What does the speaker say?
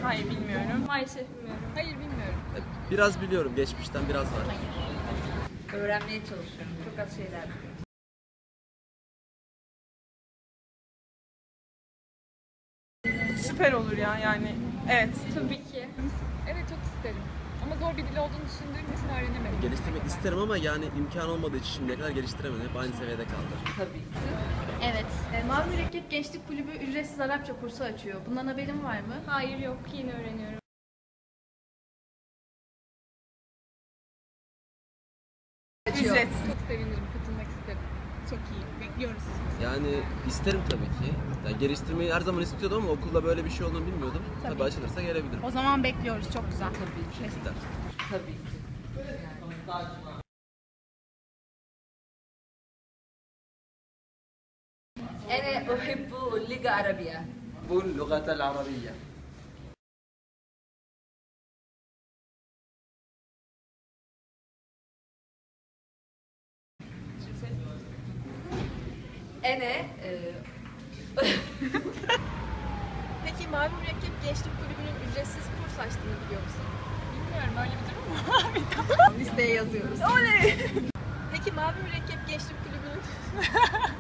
Hayır bilmiyorum. Maalesef bilmiyorum. Hayır bilmiyorum. Biraz biliyorum. Geçmişten biraz var. Öğrenmeye çalışıyorum. Çok az şeyler biliyorum. Süper olur ya yani. Evet. Tabii ki. Evet çok isterim. Ama zor bir dil olduğunu düşündüğüm için öğrenemedim. Geliştirmek isterim ama yani imkan olmadığı için şimdiye kadar geliştiremedim. Hep aynı seviyede kaldı. Tabii ki. Evet. Mavi Mürekkep Gençlik Kulübü ücretsiz Arapça kursu açıyor. Bundan haberin var mı? Hayır yok. Yeni öğreniyorum. Ücretsiz. Çok sevinirim, katılmak isterim. Çok iyi. Bekliyoruz. Yani isterim tabii ki. Yani geliştirmeyi her zaman istiyordum ama okulda böyle bir şey olduğunu bilmiyordum. Tabii açılırsa gelebilirim. O zaman bekliyoruz. Çok güzel. Tabii ki. Gider. Tabii ki. أنا أحب اللغة العربية. اللغة العربية. أنا Peki Mavi Mürekkep Gençlik Kulübü'nün ücretsiz kurs açtığını biliyor musun? bilmiyorum öyle bir durum mu? Listeye yazıyoruz. Oley! Peki Mavi Mürekkep Gençlik Kulübü'nün